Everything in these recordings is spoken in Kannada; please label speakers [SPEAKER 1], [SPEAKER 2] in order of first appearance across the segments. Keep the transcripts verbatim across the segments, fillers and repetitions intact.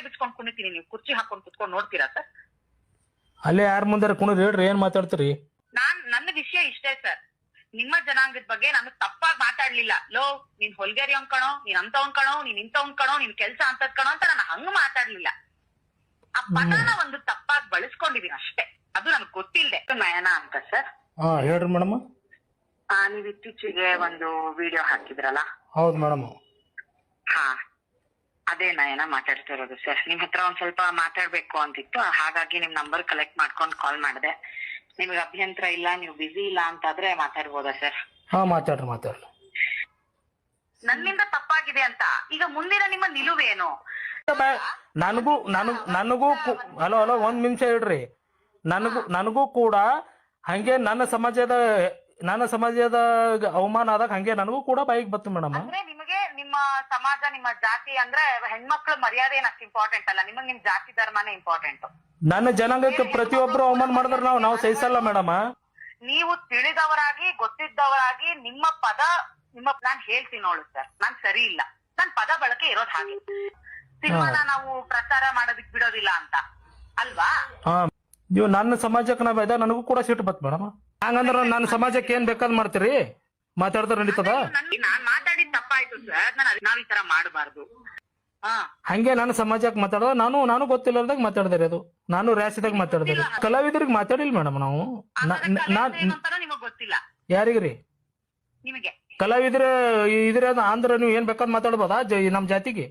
[SPEAKER 1] ಬಿಚ್ಕೊಂಡ್ ಕುಣಿತೀನಿ, ನೀವು ಕುರ್ಚಿ ಹಾಕೊಂಡ್ ಕುತ್ಕೊಂಡ್ ನೋಡ್ತೀರಾ ಸರ್?
[SPEAKER 2] ಅಲ್ಲೇ ಯಾರ ಮುಂದಾರ ಕುಣಿದ್ರಿ ಹೇಳ್ರಿ, ಏನ್ ಮಾತಾಡ್ತೀರಿ?
[SPEAKER 1] ನಾನ್ ನನ್ನ ವಿಷಯ ಇಷ್ಟೇ ಸರ್, ನಿಮ್ಮ ಜನಾಂಗದ ಬಗ್ಗೆ ನಾನು ತಪ್ಪಾಗಿ ಮಾತಾಡ್ಲಿಲ್ಲ. ಲೋ ನೀನ್ ಹೊಲ್ಗೇರಿ ಕಣೋ, ನೀನ್ ಅಂತವನ್ ಕಣೋ, ನೀನ್ ಇಂಥವನ್ ಕಣೋ, ನಿನ್ ಕೆಲ್ಸ ಅಂತದ್ ಕಣೋ ಅಂತ ನಾನು ಹಂಗ ಮಾತಾಡ್ಲಿಲ್ಲ. ಆ ಪದನ ಒಂದು ತಪ್ಪಾಗಿ ಬಳಸ್ಕೊಂಡಿದೀನಿ ಅಷ್ಟೇ, ಅದು ನನ್ಗೆ ಗೊತ್ತಿಲ್ದೆ. ನಯನ ಅಂತ ಸರ್.
[SPEAKER 2] ಹಾ ಹೇಳ್ರಿ ಮೇಡಮ್.
[SPEAKER 1] ಆ ನೀವ್ ಇತ್ತೀಚೆಗೆ ಒಂದು ವಿಡಿಯೋ ಹಾಕಿದ್ರಲ್ಲ?
[SPEAKER 2] ಹೌದು ಮೇಡಮ್.
[SPEAKER 1] ಹಾ ಅದೇ ನಯನ ಮಾತಾಡ್ತಿರೋದು ಸರ್. ನಿಮ್ ಹತ್ರ ಒಂದ್ ಸ್ವಲ್ಪ ಮಾತಾಡ್ಬೇಕು ಅಂತಿತ್ತು, ಹಾಗಾಗಿ ನಿಮ್ ನಂಬರ್ ಕಲೆಕ್ಟ್ ಮಾಡ್ಕೊಂಡು ಕಾಲ್ ಮಾಡಿದೆ. ನಿಮ್ಗೆ ಅಭ್ಯಂತರ ಇಲ್ಲ, ನೀವು ಬಿಸಿ ಇಲ್ಲ ಅಂತಾದ್ರೆ ಮಾತಾಡ್ಬೋದಾ ಸರ್?
[SPEAKER 2] ಹಾ ಮಾತಾಡ್ರಿ ಮಾತಾಡ್ರಿ.
[SPEAKER 1] ನನ್ನಿಂದ ತಪ್ಪಾಗಿದೆ ಅಂತ ಈಗ ಮುಂದಿನ ನಿಮ್ಮ ನಿಲುವೇನು?
[SPEAKER 2] ನನಗೂ ನನಗ್ ನನಗೂ ಹಲೋ ಹಲೋ ಒಂದ್ ನಿಮಿಷ ಹೇಳ್ರಿ. ನನಗೂ ನನಗೂ ಕೂಡ ಹಂಗೆ ನನ್ನ ಸಮಾಜದ ನನ್ನ ಸಮಾಜದ ಅವಮಾನ ಆದಾಗ ಹಂಗೆ ನನಗೂ ಕೂಡ ಬೈಕ್ ಬತ್ತು ಮೇಡಮ್.
[SPEAKER 1] ಅಂದ್ರೆ ನಿಮಗೆ ನಿಮ್ಮ ಸಮಾಜ, ನಿಮ್ಮ ಜಾತಿ ಅಂದ್ರೆ ಹೆಣ್ಮಕ್ಳು ಮರ್ಯಾದೆ ಏನಷ್ಟು ಇಂಪಾರ್ಟೆಂಟ್ ಅಲ್ಲ, ನಿಮಗ್ ನಿಮ್ ಜಾತಿ ಧರ್ಮನೇ ಇಂಪಾರ್ಟೆಂಟ್.
[SPEAKER 2] ನನ್ನ ಜನಾಂಗಕ್ಕೆ ಪ್ರತಿಯೊಬ್ರು ಅವಮಾನ ಮಾಡಿದ್ರೆ ನಾವು ನಾವು ಸಹಿಸಲ್ಲ ಮೇಡಮ್.
[SPEAKER 1] ನೀವು ತಿಳಿದವರಾಗಿ ಗೊತ್ತಿದ್ದವರಾಗಿ ನಿಮ್ಮ ಪದ ನಿಮ್ಮ ನಾನ್ ಹೇಳ್ತೀನಿ ನೋಡು ಸರ್, ನಾನ್ ಸರಿ ಇಲ್ಲ, ನನ್ ಪದ ಬಳಕೆ ಇರೋದ್ ಹಾಗೆ. ಸಿನಿಮಾನ ನಾವು ಪ್ರಚಾರ ಮಾಡೋದಕ್ ಬಿಡೋದಿಲ್ಲ ಅಂತ ಅಲ್ವಾ?
[SPEAKER 2] ಹಾ ನೀವು ನನ್ನ ಸಮಾಜಕ್ಕೆ ನಾವ್ ಇದ ನನಗೂ ಕೂಡ ಸಿಟ್ಟು ಬತ್ ಮೇಡಮ್. ಹಂಗಂದ್ರ ನನ್ನ ಸಮಾಜಕ್ಕೆ ಏನ್ ಬೇಕಾದ್ ಮಾಡ್ತೀರಿ? ಮಾತಾಡ್ತಾರ ನಡೀತದ?
[SPEAKER 1] ನಾನ್ ಮಾತಾಡಿದ್ ತಪ್ಪಾಯ್ತು ಸರ್, ನಾನು ನಾವ್ ಈ ತರ ಮಾಡಬಾರ್ದು. ಹಾ
[SPEAKER 2] ಹಂಗೆ ನನ್ನ ಸಮಾಜಕ್ಕೆ ಮಾತಾಡೋದು ನಾನು ನಾನು ಗೊತ್ತಿಲ್ಲದಾಗ ಮಾತಾಡ್ದಾರೆ, ಅದು ನಾನು ರ್ಯಾಸಿದಾಗ ಮಾತಾಡ್ದಾರೆ. ಕಲಾವಿದರಿಗೆ ಮಾತಾಡಿಲ್ಲ ಮೇಡಮ್ ನಾವು.
[SPEAKER 1] ನಿಮಗ್ ಗೊತ್ತಿಲ್ಲ
[SPEAKER 2] ಯಾರಿಗ್ರಿ?
[SPEAKER 1] ನಿಮಗೆ
[SPEAKER 2] ಕಲಾವಿದ್ರ ಇದ್ರ ಅಂದ್ರ ನೀವು ಏನ್ ಬೇಕಾದ್ ಮಾತಾಡ್ಬೋದಾ ನಮ್ ಜಾತಿಗೆ?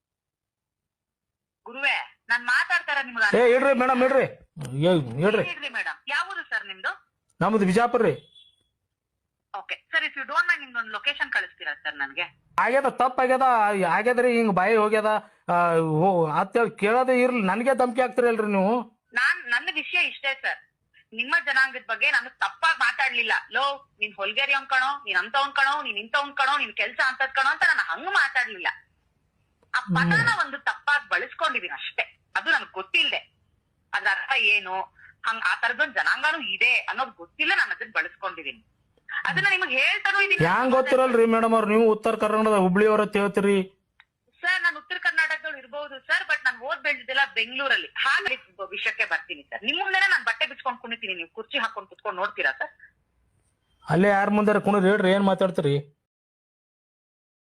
[SPEAKER 1] ಗುರುವೇ ನಾನ್ ಮಾತಾಡ್ತಾರ ನಿಮ್ಗೆ.
[SPEAKER 2] ಏ ಇಡ್ರಿ ಮೇಡಮ್ ಇಡ್ರಿ ಹೇಳ್ರಿ.
[SPEAKER 1] ಮೇಡಮ್ ಯಾವುದು ಸರ್ ನಿಮ್ದು?
[SPEAKER 2] ನಮ್ದು ಬಿಜಾಪುರ ರೀ.
[SPEAKER 1] Okay sir, if you don't mind ನಿಮ್ದೊಂದು ಲೊಕೇಶನ್ ಕಳಿಸ್ತೀರಾ ಸರ್ ನನ್ಗೆ?
[SPEAKER 2] ಆಗ್ಯದ ತಪ್ಪ ಆಗ್ಯದ ಆಗ್ಯದ್ರಿ, ಹಿಂಗ್ ಬಾಯಿ ಹೋಗ್ಯದ ಅಂತೇಳಿ ಕೇಳೋದೇ ಇರ್ಲಿ, ನನ್ಗೆ ಧಮಕಿ ಆಗ್ತಿರಲ್ರಿ ನೀವು.
[SPEAKER 1] ನಾನ್ ನನ್ನ ವಿಷಯ ಇಷ್ಟೇ ಸರ್, ನಿಮ್ಮ ಜನಾಂಗದ ಬಗ್ಗೆ ನಾನು ತಪ್ಪಾಗಿ ಮಾತಾಡ್ಲಿಲ್ಲ. ಲೋ ನೀನ್ ಹೊಲ್ಗೇರಿ ಕಣೋ, ನೀನ್ ಅಂತವನ್ ಕಣೋ, ನೀನ್ ಇಂಥವನ್ ಕಣೋ, ನಿನ್ ಕೆಲ್ಸ ಅಂತದ್ ಕಣೋ ಅಂತ ನಾನು ಹಂಗ ಮಾತಾಡ್ಲಿಲ್ಲ. ಆ ಪದನ ಒಂದು ತಪ್ಪಾಗಿ ಬಳಸ್ಕೊಂಡಿದೀನಿ ಅಷ್ಟೇ, ಅದು ನನ್ಗೆ ಗೊತ್ತಿಲ್ದೆ. ಅದ್ರ ಅರ್ಥ ಏನು, ಹಂಗ ಆ ತರದೊಂದ್ ಜನಾಂಗನೂ ಇದೆ ಅನ್ನೋದು ಗೊತ್ತಿಲ್ಲ, ನಾನು ಅದನ್ನ ಬಳಸ್ಕೊಂಡಿದೀನಿ. ಅದನ್ನ ನಿಮಗ್ ಹೇಳ್ತಾನೂ ಇದೀನಿ.
[SPEAKER 2] ಹ್ಯಾಂಗ್ ಗೊತ್ತಿರಲ್ರಿ ಮೇಡಮ್ ಅವ್ರು, ನೀವು ಉತ್ತರ ಕರ್ನಾಟಕದ ಹುಬ್ಳಿಯವ್ರ ಹೇಳ್ತೀರಿ
[SPEAKER 1] ಸರ್. ನಾನು ಉತ್ತರ ಕರ್ನಾಟಕದವ್ರು ಇರ್ಬಹುದು ಸರ್, ಬಟ್ ನಾನು ಓದ್ ಬೆಳೆದಿದ್ದೆಲ್ಲ ಬೆಂಗಳೂರಲ್ಲಿ. ಹಾಗೆ ವಿಷಯಕ್ಕೆ ಬರ್ತೀನಿ ಸರ್. ನಿಮ್ ಮುಂದೆನೆ ನಾನು ಬಟ್ಟೆ ಬಿಚ್ಕೊಂಡ್ ಕುಣಿತೀನಿ, ನೀವು ಕುರ್ಚಿ ಹಾಕೊಂಡ್ ಕುತ್ಕೊಂಡ್ ನೋಡ್ತೀರಾ ಸರ್?
[SPEAKER 2] ಅಲ್ಲೇ ಯಾರ ಮುಂದಾರ ಕುಣಿದ್ರಿ ಹೇಳ್ರಿ, ಏನ್ ಮಾತಾಡ್ತೀರಿ?